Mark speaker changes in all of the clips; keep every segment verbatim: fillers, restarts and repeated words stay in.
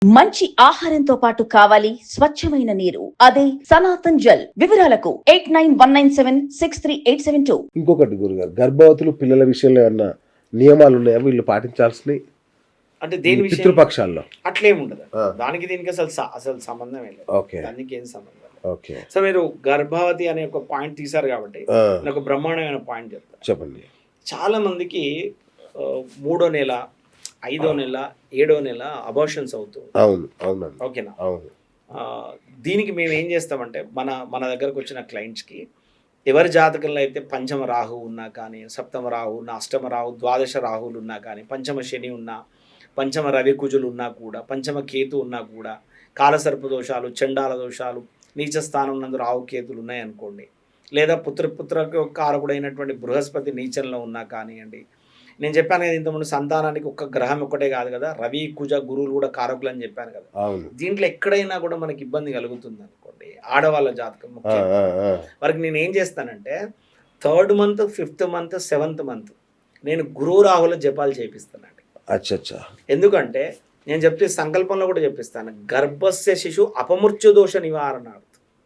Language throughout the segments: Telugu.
Speaker 1: మంచి ఆహారంతో పాటు కావాలి స్వచ్ఛమైన నీరు, అదే సనాతన్ జల్. వివరాలకు eight nine one nine seven six three eight seven two.
Speaker 2: ఇంకొకటి గురుగారు, గర్భవతులు పిల్లల విషయంలో ఏమన్నా నియమాలు ఉన్నాయా వీళ్ళు పాటించాల్సినవి?
Speaker 3: అంటే దేని విషయం
Speaker 2: పితృపక్షాల్లో
Speaker 3: అట్లేముండదు. దానికి దీనికి అసలు స- అసలు సంబంధం లేదు.
Speaker 2: ఓకే
Speaker 3: దానికి ఏం సంబంధం లేదు.
Speaker 2: ఓకే
Speaker 3: సో మీరు గర్భవతి అనే ఒక పాయింట్ తీశారు కాబట్టి
Speaker 2: ఆ,
Speaker 3: నేను ఒక బ్రహ్మాండమైన పాయింట్ చెప్తాను.
Speaker 2: చెప్పండి.
Speaker 3: చాలా మందికి ఆ, మూడో నెల, ఐదో నెల, ఏడో నెల అబార్షన్స్ అవుతుంది.
Speaker 2: అవును అవునండి,
Speaker 3: ఓకేనా?
Speaker 2: అవును.
Speaker 3: ఆ, దీనికి మేము ఏం చేస్తామంటే మన మన దగ్గరకు వచ్చిన క్లయింట్స్కి ఎవరి జాతకంలో అయితే పంచమ రాహు ఉన్నా కానీ, సప్తమ రాహు ఉన్నా, అష్టమ రాహు, ద్వాదశ రాహువులు ఉన్నా కానీ, పంచమ శని ఉన్నా, పంచమ రవి కుజులు ఉన్నా కూడా, పంచమ కేతు ఉన్నా కూడా, కాలసర్ప దోషాలు, చండాల దోషాలు, నీచ స్థానం నందు రాహు కేతులు ఉన్నాయనుకోండి, లేదా పుత్ర పుత్రకు కారకుడైనటువంటి బృహస్పతి నీచంలో ఉన్నా కానివ్వండి. నేను చెప్పాను కదా ఇంతకుముందు, సంతానానికి ఒక్క గ్రహం ఒక్కటే కాదు కదా, రవి కుజ గురువులు కూడా కారకులు అని చెప్పాను కదా.
Speaker 2: అవును.
Speaker 3: దీంట్లో ఎక్కడైనా కూడా మనకి ఇబ్బంది కలుగుతుంది అనుకోండి, ఆడవాళ్ళ జాతకం
Speaker 2: ఆ,
Speaker 3: ముఖ్యంగా.
Speaker 2: ఆ, ఆ.
Speaker 3: వారికి నేను ఏం చేస్తానంటే third month, fifth month, seventh month నేను గురువు రాహుల జపాలు చేపిస్తానండి.
Speaker 2: అచ్చా అచ్చా.
Speaker 3: ఎందుకంటే నేను చెప్తే సంకల్పంలో కూడా చెప్పిస్తాను, గర్భస్య శిశు అపమృత్యు దోష నివారణార్థం,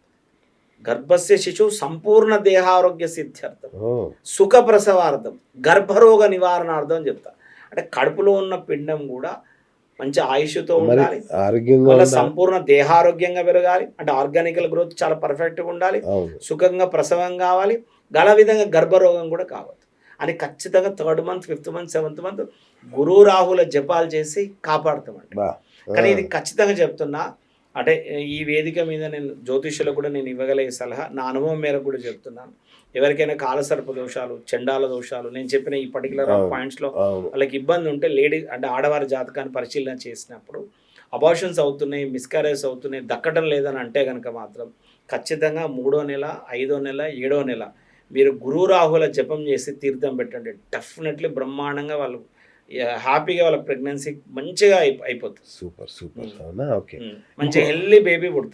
Speaker 3: గర్భస్య శిశు సంపూర్ణ దేహారోగ్య సిద్ధ్యర్థం,
Speaker 2: ఓ,
Speaker 3: సుఖ ప్రసవార్థం, గర్భరోగ నివారణార్థం అని చెప్తా. అంటే కడుపులో ఉన్న పిండం కూడా మంచి ఆయుష్తో
Speaker 2: మరి
Speaker 3: ఉండాలి,
Speaker 2: ఆరోగ్యంగా
Speaker 3: వాళ్ళ
Speaker 2: ఉండాలి.
Speaker 3: సంపూర్ణ దేహారోగ్యంగా పెరగాలి, అంటే ఆర్గానికల్ గ్రోత్ చాలా పర్ఫెక్ట్గా ఉండాలి,
Speaker 2: అవును.
Speaker 3: సుఖంగా ప్రసవం కావాలి, గల విధంగా గర్భరోగం కూడా కావద్దు అని ఖచ్చితంగా third month, fifth month, seventh month గురు రాహుల జపాలు చేసి కాపాడుతామండి.
Speaker 2: బా. ఆ,
Speaker 3: కానీ ఇది ఖచ్చితంగా చెప్తున్నా, అంటే ఈ వేదిక మీద నేను జ్యోతిష్యులకు కూడా నేను ఇవ్వగలిగే సలహా, నా అనుభవం మేరకు కూడా చెప్తున్నాను. ఎవరికైనా కాలసర్ప దోషాలు, చండాల దోషాలు, నేను చెప్పిన ఈ పర్టికులర్
Speaker 2: అవును.
Speaker 3: పాయింట్స్లో
Speaker 2: అవును.
Speaker 3: వాళ్ళకి ఇబ్బంది ఉంటే, లేడీ అంటే ఆడవారి జాతకాన్ని పరిశీలన చేసినప్పుడు అబార్షన్స్ అవుతున్నాయి, మిస్కారేజ్ అవుతున్నాయి, దక్కడం లేదని అంటే కనుక మాత్రం ఖచ్చితంగా మూడో నెల, ఐదో నెల, ఏడో నెల మీరు గురు రాహుల జపం చేసి తీర్థం పెట్టండి. డెఫినెట్లీ బ్రహ్మాండంగా వాళ్ళు హ్యాపీగా వాళ్ళ ప్రెగ్నెన్సీ మంచిగా అయిపో అయిపోతుంది.
Speaker 2: Super super. అవునా? ఓకే.
Speaker 3: మంచి హెల్దీ బేబీ పుడుతుంది.